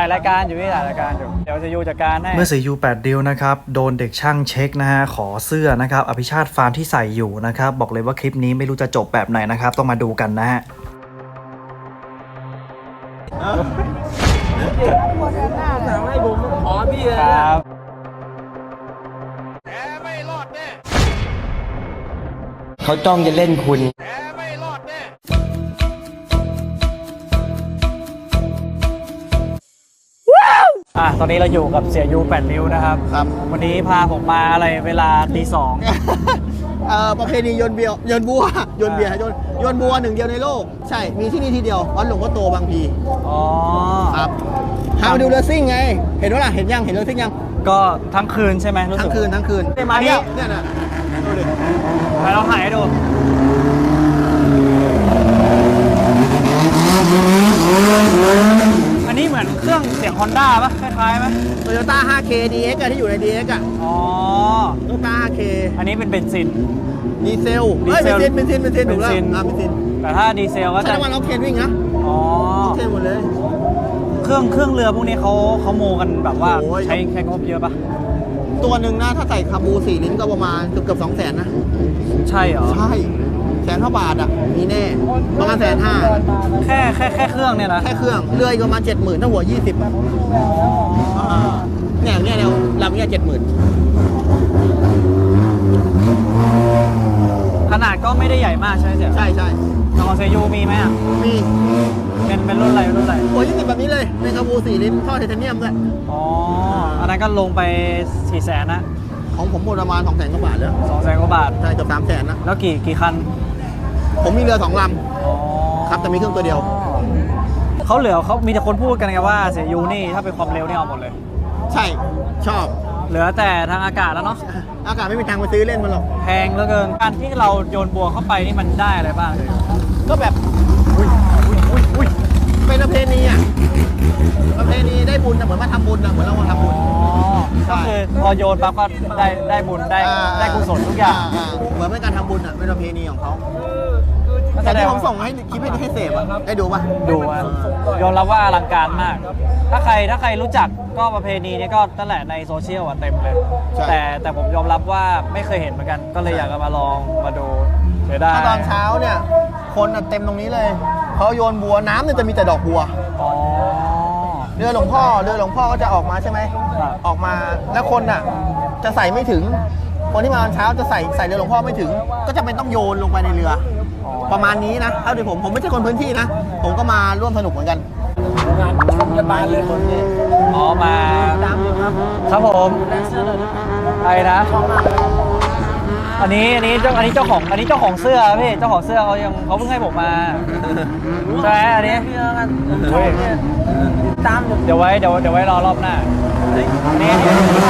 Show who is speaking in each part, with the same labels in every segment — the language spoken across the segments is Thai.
Speaker 1: ายรายการอยู่พี่ถ่ายรายการอยู่เดี๋ยวจะยูจัดการให้
Speaker 2: เมื่อสียู8ดิวนะครับโดนเด็กช่างเช็คนะฮะขอเสื้อนะครับอภิชาติฟาร์มที่ใส่อยู่นะครับบอกเลยว่าคลิปนี้ไม่รู้จะจบแบบไหนนะครับต้องมาดูกันนะฮะ
Speaker 3: สั่งให้ผมขอพี่เลย
Speaker 1: ครับ
Speaker 4: แกไม่รอดแน่
Speaker 3: เขาจ้องจะเล่นคุณ
Speaker 4: แกไม่รอดแน่
Speaker 1: ตอนนี้เราอยู่กับเสียยู8นิ้วนะครับวันนี้พาผมมาอะไรเวลาตี 2
Speaker 5: ประเพณีโยนเบียร์โยนบัวโยนเบียร์โยนบัวหนึ่งเดียวในโลกใช่มีที่นี่ที่เดียววัดหลวงพ่อโตบางพี
Speaker 1: อ๋อ
Speaker 5: ครับพามาดูเรือซิ่งไงเห็นว่าล่ะเห็นยังเห็นเรือซิ่งยัง
Speaker 1: ก็ทั้งคืนใช่ไหมรู้สึ
Speaker 5: ทั้
Speaker 1: ก
Speaker 5: งคืน
Speaker 1: มานี่
Speaker 5: เนี่ยนะดูดิ
Speaker 1: ไปเราถ่ายให้ดูอันนี้เหมือนเครื่องเสียง Honda ป่ะคล้ายๆไหม
Speaker 5: Toyota 5K DX อะที่อยู่ใน DX อะ
Speaker 1: อ๋อ
Speaker 5: Toyota 5K
Speaker 1: อันนี้เป็นเบนซิน
Speaker 5: ดีเซลเฮ้ยเบนซินถูกแล้วเบนซิน
Speaker 1: แต่ถ้าดีเซลก็
Speaker 5: ใช้
Speaker 1: จะ
Speaker 5: น้ำมันออกเทนวิ่งนะ
Speaker 1: อ๋อ
Speaker 5: ออกเทนหมดเลย
Speaker 1: เครื่องเรือพวกนี้เขาโมกันแบบว่า
Speaker 5: โอ้ย
Speaker 1: ใช้งบเยอะป่ะ
Speaker 5: ตัวหนึ่งนะถ้าใส่คาบู4 ลิ้นก็ประมาณเกือบ200,000นะ
Speaker 1: ใช่เหรอ
Speaker 5: ใช่100,000 บาทอะมีแน่ประมาณ150,000
Speaker 1: แค่เครื่องเนี่ยนะ
Speaker 5: แค่เครื่องเรืออีกประมาณ70,000ถ้าหัว20อะเนี่ยลำเนี่ย70,000
Speaker 1: ขนาดก็ไม่ได้ใหญ่มากใช่ไหมเสีย
Speaker 5: ใช่
Speaker 1: ของเซยูมีไหมอ่ะ
Speaker 5: มี
Speaker 1: เป็นรุ่นอะไร
Speaker 5: หัว20แบบนี้เลยในคาบู4 ลิ้นท่อไทเทเนียมด้วย
Speaker 1: อ๋อ อันนั้นก็ลงไป400,000นะ
Speaker 5: ของผมหมดประมาณ200,000 กว่าบาทแล้ว
Speaker 1: 200,000 กว่าบาท
Speaker 5: ใช่เกือบ300,000นะ
Speaker 1: แล้วกี่คัน
Speaker 5: ผมมีเรือ2 ล
Speaker 1: อ๋อ
Speaker 5: ำครับแต่มีเครื่องตัวเดียว
Speaker 1: เขามีแต่คนพูดกันไงว่าเสียยูนี่ถ้าเป็นความเร็วนี่เอาหมดเลย
Speaker 5: ใช่ชอบ
Speaker 1: เหลือแต่ทางอากาศแล้วเนาะ
Speaker 5: อากาศไม่มีทางไปซื้อเล่นมันหรอก
Speaker 1: แพงเหลือเกิน การที่เราโยนบัวเข้าไปนี่มันได้อะไรบ้างเลย
Speaker 5: ก็แบบเป็นประเพณีอ่ะประเพณีได้บุญนะเหมือนมาทำบุญนะเหมือนเรามาทำบุญ
Speaker 1: อ๋อ ก็คือพอโยนปั๊บก็ได้บุญได้กุศลทุกอย่าง
Speaker 5: เหมือนเป็นการทำบุญอ่ะเป็นประเพณีของเขา
Speaker 1: ก็แส
Speaker 5: แต่
Speaker 1: ด
Speaker 5: ที่
Speaker 1: ง
Speaker 5: ผมส่งให้คลิปให้เสพอ่ะได้ดูป่ะ
Speaker 1: ดูอะยอมรับว่าอลังการมาก ถ้าใครรู้จักก็ประเพณีนี้ก็นั่นแหละในโซเชียลอะเต็มเลย แต่ผมยอมรับว่าไม่เคยเห็นเหมือนกัน ก็เลยอยากจะมาลองมาดูเสียดาย
Speaker 5: ถ้าตอนเช้าเนี่ยคนเต็มตรงนี้เลยเขาโยนบัวน้ำเนี่ยจะมีแต่ดอกบัว
Speaker 1: อ๋อ
Speaker 5: เรือหลวงพ่อก็จะออกมาใช่ไหม
Speaker 1: ครับ
Speaker 5: ออกมาแล้วคนน่ะจะใส่ไม่ถึง คนที่มาตอนเช้าจะใส่เรือหลวงพ่อไม่ถึง ก็จะเป็นต้องโยนลงไปในเรือ
Speaker 1: อ๋อ
Speaker 5: ประมาณนี้นะเท่าที่ผมไม่ใช่คนพื้นที่นะ ผมก็มาร่วมสนุกเหมือนกัน
Speaker 3: งานชมกันบานเลยคนนี้
Speaker 1: อ๋อมา
Speaker 5: ตามอยู่ครับ
Speaker 1: ครับผมอะไรนะอันนี้เจ้าของเสื้อพี่เจ้าของเสื้อเขาเพิ่งให้ผมมาใช่ไหมอันนี้
Speaker 3: พี่แล้วกัน
Speaker 1: เฮ้ย
Speaker 3: ตามอยู่
Speaker 1: เดี๋ยวไว้รอรอบหน้าอันนี้ถ่าย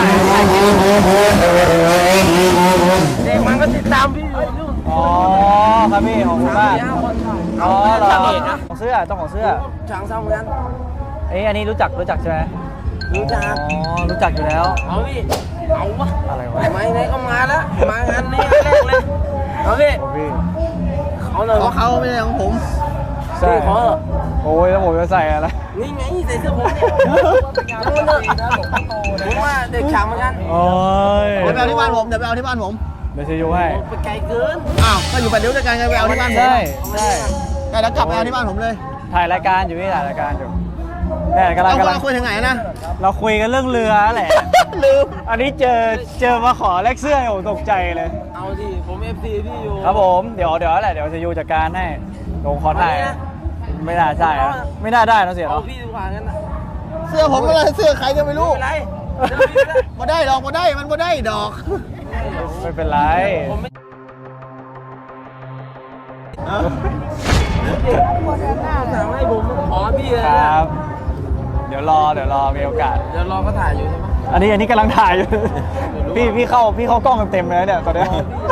Speaker 3: เด็กมันก็ติดตามพี่อยู่
Speaker 1: อ๋อครับพี่ของคุณป้า
Speaker 3: คนถ่าย
Speaker 1: อ๋อเหรอ
Speaker 3: ช่างเอกนะ
Speaker 1: ของเสื้อเจ้าของเสื้อ
Speaker 3: ช่างซ้ำเหมือนกัน
Speaker 1: อันนี้รู้จักใช่ไหม
Speaker 3: รู้จัก
Speaker 1: อ๋อรู้จักอยู่แล้ว
Speaker 3: เอาพี่เอาวะ
Speaker 1: อะไรวะ
Speaker 3: ไหนก็มาแล้วมางานนี้แรกเลยเอาพี่
Speaker 1: โอ้พี่
Speaker 3: เขาเลย
Speaker 5: เพราะเขาไม่ใช่ของผม
Speaker 1: ใช่
Speaker 3: พี่ขอ
Speaker 1: โอ้ยแล้วผมจะใส่อะไร
Speaker 3: นี่ไงใส่เสื้อผมเนี่ยยังไม่เลิกผมว่าเด็กช่างเหมือนกัน
Speaker 1: โอ้ย
Speaker 5: เดี๋ยวไปเอาที่บ้านผมเดี๋ยว
Speaker 1: จะยูให้
Speaker 3: ไปไกลเกิน
Speaker 5: อ้าวก็อยู่ปัดเดี๋ยวด้วยกันไงไปเอาที่บ้านผม
Speaker 1: ใช่
Speaker 5: แต่แล้วกลับไปเอาที่บ้านผมเลย
Speaker 1: ถ่ายรายการอยู่พี่ถ่ายรายการอยู่เนี่ยกำลั
Speaker 5: เอา
Speaker 1: ง
Speaker 5: คุยถึงไหนนะ
Speaker 1: เราคุยกันเรื่องเรือแหละ
Speaker 5: ลืม
Speaker 1: อันนี้เจอมาขอแลกเสื้อผมตกใจเลย
Speaker 3: เอาดิผมFC พี่อยู่
Speaker 1: ครับผมเดี๋ยวแหละเดี๋ยวจะยูจัดการให้ลงขอถ่าย
Speaker 3: วันนี้นะ
Speaker 1: ไม่น่าใช่อะไม่น่าได้นะเสีย
Speaker 3: เอา
Speaker 1: เนาะ
Speaker 3: พี่ดีกว่างั้นนะ
Speaker 5: เสื้อผมอะไรเสื้อใครก็ไม่รู้
Speaker 3: ไม่เป็นไรเดี๋ยวพี่ก็ได้
Speaker 5: มาได้ดอกมาได้มันมาได้ดอก
Speaker 1: ไม่เป็นไร
Speaker 3: ผมไม่ สั่งให้ผมขอพี่เลย
Speaker 1: ค
Speaker 3: นะ
Speaker 1: รับ เดี๋ยวรอมีโอกาส
Speaker 3: เดี๋ยวรอเขาถ่ายอยู่ใช่ไหม
Speaker 1: อันนี้กำลังถ่ายอยู่ พี่เข้ากล้องเต็มเลยเนี่ยตอนเนี้ย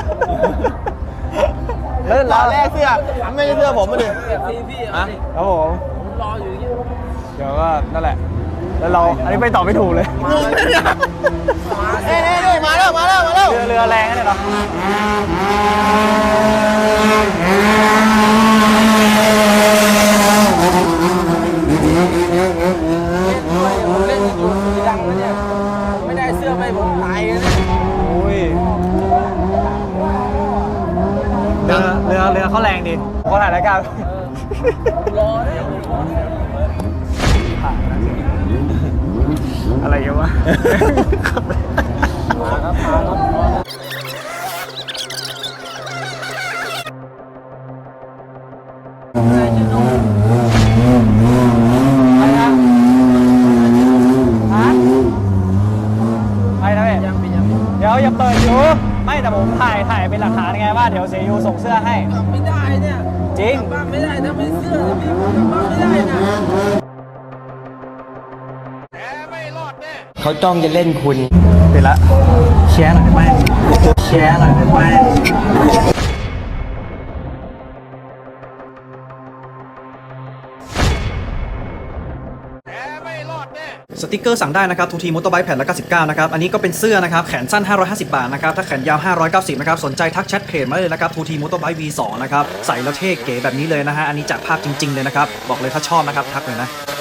Speaker 5: แล้วตอนแรกเสื้อไม่ใช่เสื้อผมมาดิ
Speaker 3: พี่พี่เอาดิ
Speaker 1: ครับผม
Speaker 3: ผมรออยู่อย่างเงี้ย
Speaker 1: เดี๋ยวก็นั่นแหละ แล้วอันนี้ไปต่อไม่ถูกเลย
Speaker 5: งงเลยเนี่ยนี่มาแล้ว
Speaker 1: เรือแรงนะเนี่ยเนาะเรือเขาแรงดีเขาถ่ายรายการอะไรกันวะ ไปนะพี่เดี๋ยวอย่าเปิดอยู่ไม่แต่ผมถ่ายเป็นหลักฐานไงว่าเดี๋ยวเสียยูส่งเสื้อให้
Speaker 3: ไม่ได้เนี่ย
Speaker 1: จริง
Speaker 3: บ้านไม่ได้ถ้าไม่เสื้อพี่กลับบ้านไม่ได้นะ
Speaker 4: แกไม่รอดแน่
Speaker 6: เขาจ้องจะเล่นคุณ
Speaker 1: ปิดละแชร์หน่อยได้ไหมแชร์หน่อยได้ไหม
Speaker 4: แกไม่รอดแน่
Speaker 2: สติกเกอร์สั่งได้นะครับทูทีมอเตอร์ไบค์แผ่นละ99นะครับอันนี้ก็เป็นเสื้อนะครับแขนสั้น550 บาทนะครับถ้าแขนยาว590นะครับสนใจทักแชทเพจมาเลยนะครับทูทีมอเตอร์ไบค์ V2 นะครับใส่แล้วเท่เก๋แบบนี้เลยนะฮะอันนี้จากภาพจริงๆเลยนะครับบอกเลยถ้าชอบนะครับทักเลยนะ